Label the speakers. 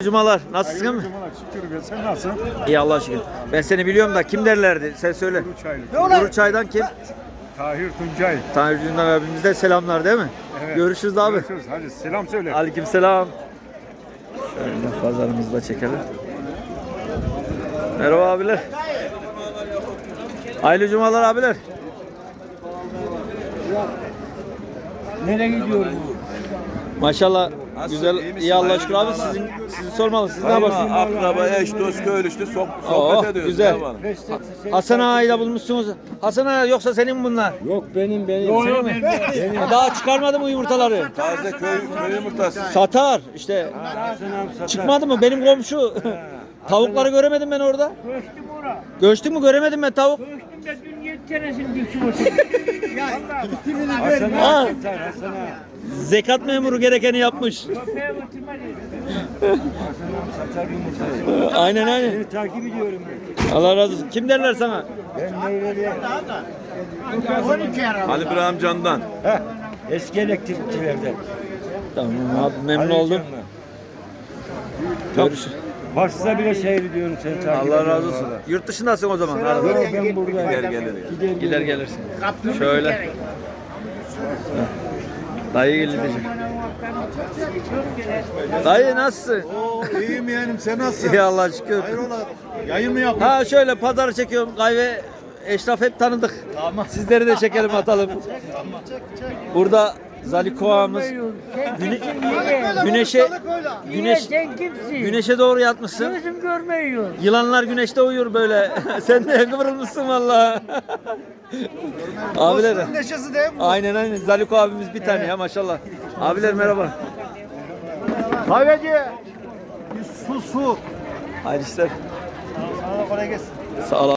Speaker 1: Cumalar. Nasılsın mı?
Speaker 2: Cumalar şükür be. Sen nasılsın?
Speaker 1: İyi Allah'a şükür. Ben seni biliyorum da kim derlerdi? Sen söyle. Kuru Çay'dan kim?
Speaker 2: Tahir Tuncay.
Speaker 1: Tanrı Dündar abimize de selamlar değil mi?
Speaker 2: Evet.
Speaker 1: Görüşürüz abi.
Speaker 2: Görüşürüz. Hadi selam söyle.
Speaker 1: Aleykümselam. Şöyle pazarımızı da çekelim. Merhaba abiler. Hayırlı cumalar abiler.
Speaker 3: Nereye gidiyoruz?
Speaker 1: Maşallah güzel, iyi Allah'a şükür abi. Sizi sormalı. Siz ne yaparsınız?
Speaker 4: Akraba, eş, dost, köylü işte
Speaker 1: Oh,
Speaker 4: sohbet ediyoruz.
Speaker 1: güzel.
Speaker 4: Ne var?
Speaker 1: Hasan Ağa'yla bulmuşsunuz. Hasan Ağa yoksa senin mi bunlar?
Speaker 3: Yok benim.
Speaker 1: Senin mi? Daha çıkarmadı mı yumurtaları?
Speaker 4: Taze köy yumurtası.
Speaker 1: Satar işte. Çıkmadı mı? Benim komşu. Tavukları göremedim ben orada.
Speaker 5: Göçtüm ora.
Speaker 1: Göçtün mü? Göremedim ben tavuk.
Speaker 5: Göçtüm de dün 7 tanesini düştüm oturdum.
Speaker 1: Ha. Zekat memuru gerekeni yapmış.
Speaker 5: Köpeğe götürme dedim.
Speaker 1: Aynen aynen.
Speaker 3: Seni takip ediyorum ben.
Speaker 1: Allah razı olsun. Kim derler sana?
Speaker 3: Ben Meyveli.
Speaker 5: 12 ara.
Speaker 4: Ali İbrahim Can'dan.
Speaker 3: Eski elektrikçilerden.
Speaker 1: Tamam abi memnun oldum. Görüşürüz.
Speaker 3: Varsa bile seyrediyorum seni takip ediyorum.
Speaker 1: Allah razı olsun. Yurt dışındasın o zaman. Arada.
Speaker 3: Yok ben buradayım.
Speaker 4: Gel gelir.
Speaker 1: Gider gelirsin. Şöyle. Dayı geldi diyeceğim. Dayı nasılsın?
Speaker 2: İyiyim yeğenim. Sen nasılsın?
Speaker 1: İyi Allah'a şükür.
Speaker 2: Hayrola? Yayın mı yapıyorsun?
Speaker 1: Ha şöyle pazar çekiyorum. Kahve eşraf hep tanıdık. Sizleri de çekelim atalım. Burada Zalikoğa'mız güneşe
Speaker 5: Sen kimsin?
Speaker 1: güneşe doğru yatmışsın.
Speaker 5: Gözüm görmüyor.
Speaker 1: Yılanlar güneşte uyur böyle. Sen de kıvrılmışsın vallahi. Abiler.
Speaker 2: Neşesi değil mi?
Speaker 1: Aynen aynen. Zaliko abimiz bir tane ya maşallah. Abiler merhaba.
Speaker 2: Kahveci. Su.
Speaker 1: Hayırlı işler.
Speaker 2: Sana kolay gelsin.
Speaker 1: Sağ ol.